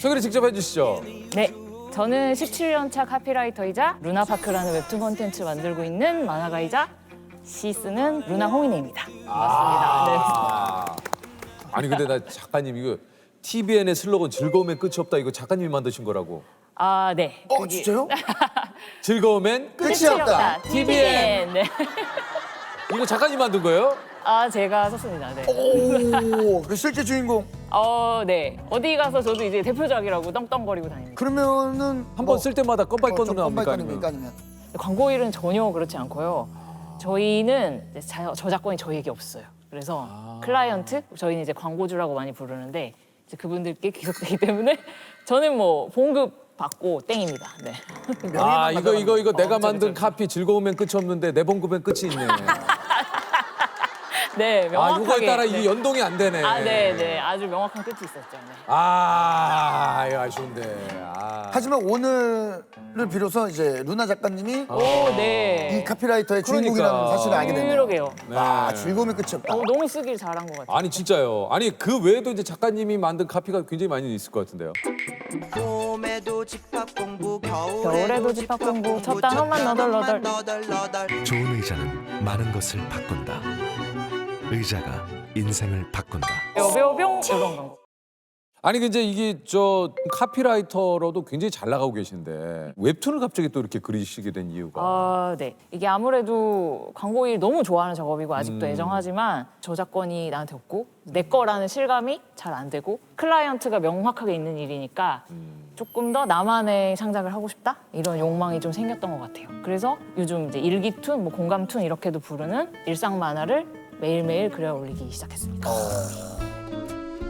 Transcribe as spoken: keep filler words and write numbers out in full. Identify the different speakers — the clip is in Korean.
Speaker 1: 소개를 직접 해주시죠.
Speaker 2: 네, 저는 십칠 년 차 카피라이터이자 루나파크라는 웹툰 콘텐츠 만들고 있는 만화가이자 시 쓰는 루나 홍인혜입니다. 반갑습니다. 네.
Speaker 1: 아. 아니 근데 나 작가님 이거 티비엔의 슬로건 즐거움엔 끝이 없다 이거 작가님이 만드신 거라고.
Speaker 2: 아, 네.
Speaker 3: 어,
Speaker 2: 그게
Speaker 3: 진짜요?
Speaker 1: 즐거움엔 끝.
Speaker 3: 끝이 없다.
Speaker 2: 티비엔. 네.
Speaker 1: 이거 작가님 만든 거예요?
Speaker 2: 아, 제가 썼습니다. 네.
Speaker 3: 오, 그 실제 주인공.
Speaker 2: 어, 네. 어디 가서 저도 이제 대표작이라고 떵떵거리고 다닙니다.
Speaker 3: 그러면은
Speaker 1: 한 번 쓸 때마다 껌빠이건으로 나옵니까?
Speaker 3: 껌빠이건입니까 아니면?
Speaker 2: 광고 일은 전혀 그렇지 않고요. 저희는 이제 자- 저작권이 저희에게 없어요. 그래서 클라이언트, 저희는 이제 광고주라고 많이 부르는데 이제 그분들께 귀속되기 때문에 저는 뭐 봉급 받고 땡입니다. 네.
Speaker 1: 아 이거 이거 이거 내가
Speaker 2: 그쵸,
Speaker 1: 만든
Speaker 2: 그쵸.
Speaker 1: 카피 즐거움엔 끝이 없는데 내 봉급엔 끝이 있네.
Speaker 2: 네,
Speaker 1: 아
Speaker 2: 명확하게.
Speaker 1: 이거에 따라
Speaker 2: 네.
Speaker 1: 이게 연동이 안 되네.
Speaker 2: 아, 네, 네. 아주 명확한 끝이 있었죠. 네.
Speaker 1: 아 이거 아쉬운데. 아.
Speaker 3: 하지만 오늘을 비로소 이제 루나 작가님이
Speaker 2: 오, 네.
Speaker 3: 이 카피라이터의
Speaker 1: 그러니까.
Speaker 3: 주인공이라는 사실을 알게 되네요.
Speaker 2: 그러게요.
Speaker 1: 네.
Speaker 3: 아, 즐거움의 끝이 없다.
Speaker 2: 어, 너무 쓰길 잘한 것 같아요.
Speaker 1: 아니 진짜요. 아니 그 외에도 이제 작가님이 만든 카피가 굉장히 많이 있을 것 같은데요.
Speaker 4: 봄에도 집합 공부
Speaker 2: 겨울에도 집합 공부 첫 단어만 너덜너덜.
Speaker 4: 너덜너덜
Speaker 5: 좋은 의자는 많은 것을 바꾼다. 의자가 인생을 바꾼다.
Speaker 2: 뼈뼈뿅 이런 거.
Speaker 1: 아니 근데 이게 저 카피라이터로도 굉장히 잘 나가고 계신데 웹툰을 갑자기 또 이렇게 그리시게 된 이유가.
Speaker 2: 아, 네. 이게 아무래도 광고 일 너무 좋아하는 작업이고 아직도
Speaker 1: 음.
Speaker 2: 애정하지만 저작권이 나한테 없고 내 거라는 실감이 잘 안 되고 클라이언트가 명확하게 있는 일이니까 조금 더 나만의 창작을 하고 싶다 이런 욕망이 좀 생겼던 것 같아요. 그래서 요즘 이제 일기툰, 뭐 공감툰 이렇게도 부르는 일상 만화를 매일매일 그려 올리기 시작했습니다.